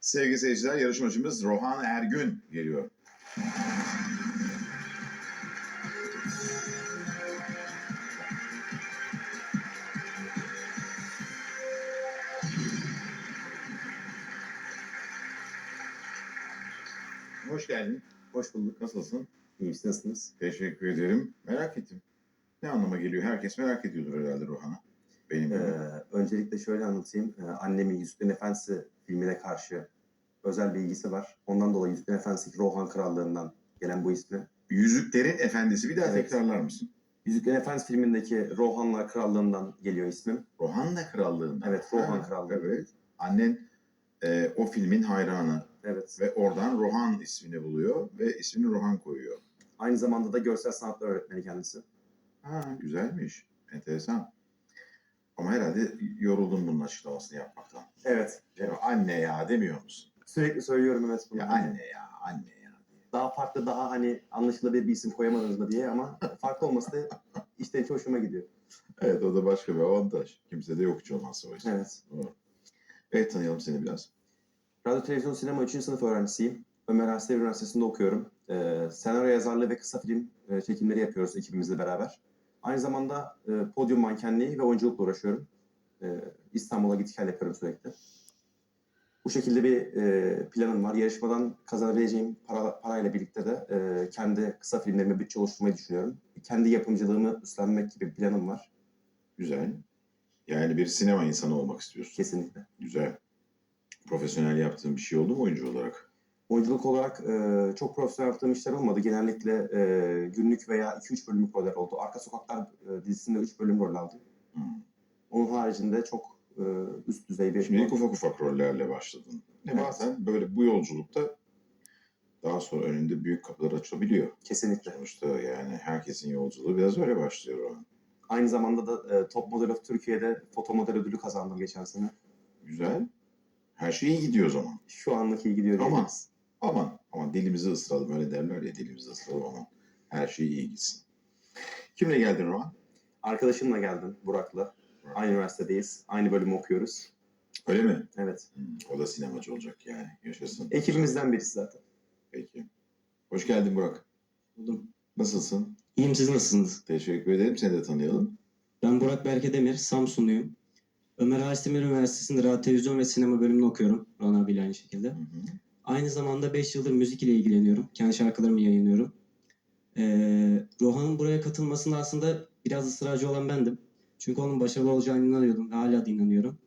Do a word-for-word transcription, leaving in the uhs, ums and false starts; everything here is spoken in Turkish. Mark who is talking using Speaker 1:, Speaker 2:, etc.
Speaker 1: Sevgili seyirciler, yarışmacımız Rohan Ergün geliyor. Hoş geldin.
Speaker 2: Hoş bulduk.
Speaker 1: Nasılsın?
Speaker 2: İyiyim, siz nasılsınız?
Speaker 1: Teşekkür ederim. Merak ettim. Ne anlama geliyor? Herkes merak ediyordur herhalde Rohan'ı. Benim gibi.
Speaker 2: Ee, öncelikle şöyle anlatayım. Ee, annemin Yüzüklerin Efendisi filmine karşı özel bir ilgisi var. Ondan dolayı Yüzüklerin Efendisi Rohan Krallığı'ndan gelen bu ismi.
Speaker 1: Yüzüklerin Efendisi. Bir daha
Speaker 2: Evet.
Speaker 1: tekrarlar mısın?
Speaker 2: Yüzüklerin Efendisi filmindeki Rohanlar Krallığı'ndan geliyor ismim.
Speaker 1: Rohanna Krallığı'ndan.
Speaker 2: Evet, Rohan
Speaker 1: Ha,
Speaker 2: Krallığı.
Speaker 1: Evet. Annen e, o filmin hayranı
Speaker 2: Evet.
Speaker 1: ve oradan Rohan ismini buluyor ve ismini Rohan koyuyor.
Speaker 2: Aynı zamanda da görsel sanatlar öğretmeni kendisi.
Speaker 1: Ha, güzelmiş. Enteresan. Ama herhalde yoruldum bunun açıklamasını yapmaktan.
Speaker 2: Evet.
Speaker 1: Ya anne ya demiyor musun?
Speaker 2: Sürekli söylüyorum evet bunu.
Speaker 1: Ya anne ya, anne ya diye.
Speaker 2: Daha farklı, daha hani anlaşılabilir bir isim koyamadınız mı diye ama farklı olması da işte hiç hoşuma gidiyor.
Speaker 1: Evet, o da başka bir avantaj. Kimse de yok hiç olmazsa o yüzden.
Speaker 2: Evet.
Speaker 1: Doğru. Evet, tanıyalım seni biraz.
Speaker 2: Radyo, televizyon, sinema üçüncü sınıf öğrencisiyim. Ömer Ersoy Üniversitesi'nde okuyorum. Ee, senaryo yazarlığı ve kısa film e, çekimleri yapıyoruz ekibimizle beraber. Aynı zamanda e, podyum mankenliği ve oyunculukla uğraşıyorum. E, İstanbul'a git gel yapıyorum sürekli. Bu şekilde bir e, planım var. Yarışmadan kazanabileceğim para, parayla birlikte de e, kendi kısa filmlerime bütçe oluşturmayı düşünüyorum. Kendi yapımcılığımı üstlenmek gibi bir planım var.
Speaker 1: Güzel. Yani bir sinema insanı olmak istiyorsun.
Speaker 2: Kesinlikle.
Speaker 1: Güzel. Profesyonel yaptığın bir şey oldu mu oyuncu olarak?
Speaker 2: Oyunculuk olarak e, çok profesyonel yaptığım işler olmadı. Genellikle e, günlük veya iki üç bölümlük roller oldu. Arka Sokaklar e, dizisinde üç bölüm rol aldım.
Speaker 1: Hmm.
Speaker 2: Onun haricinde çok e, üst düzey bir...
Speaker 1: Şimdi ufak ufak rollerle başladın.
Speaker 2: Evet.
Speaker 1: Bazen böyle bu yolculukta daha sonra önünde büyük kapılar açılabiliyor.
Speaker 2: Kesinlikle.
Speaker 1: Sonuçta yani herkesin yolculuğu biraz öyle başlıyor o an.
Speaker 2: Aynı zamanda da e, Top Model of Türkiye'de foto model ödülü kazandım geçen sene.
Speaker 1: Güzel. Her şey iyi gidiyor o zaman.
Speaker 2: Şu anlık iyi gidiyor
Speaker 1: Ama
Speaker 2: diyebiliriz.
Speaker 1: aman aman dilimizi ısıralım, öyle derler ya, dilimizi ısıralım, aman her şey iyi gitsin. Kimle geldin Rohan?
Speaker 2: Arkadaşımla geldim, Burak'la. Aynı üniversitedeyiz. Aynı bölümü okuyoruz.
Speaker 1: Öyle mi?
Speaker 2: Evet.
Speaker 1: Hmm, o da sinemacı olacak yani. Yaşasın.
Speaker 2: Ekibimizden birisi zaten.
Speaker 1: Peki. Hoş geldin Burak.
Speaker 3: Buldum.
Speaker 1: Nasılsın?
Speaker 3: İyiyim, siz nasılsınız?
Speaker 1: Teşekkür ederim. Seni de tanıyalım.
Speaker 3: Ben Burak Berke Demir, Samsunluyum. Ömer Halis Demir Üniversitesi'nde radyo, televizyon ve sinema bölümünü okuyorum. Rohan abiyle aynı şekilde.
Speaker 1: Hı hı.
Speaker 3: Aynı zamanda beş yıldır müzik ile ilgileniyorum. Kendi şarkılarımı yayınlıyorum. Ee, Rohan'ın buraya katılmasında aslında biraz ısrarcı olan bendim. Çünkü onun başarılı olacağına inanıyordum ve hala da inanıyorum.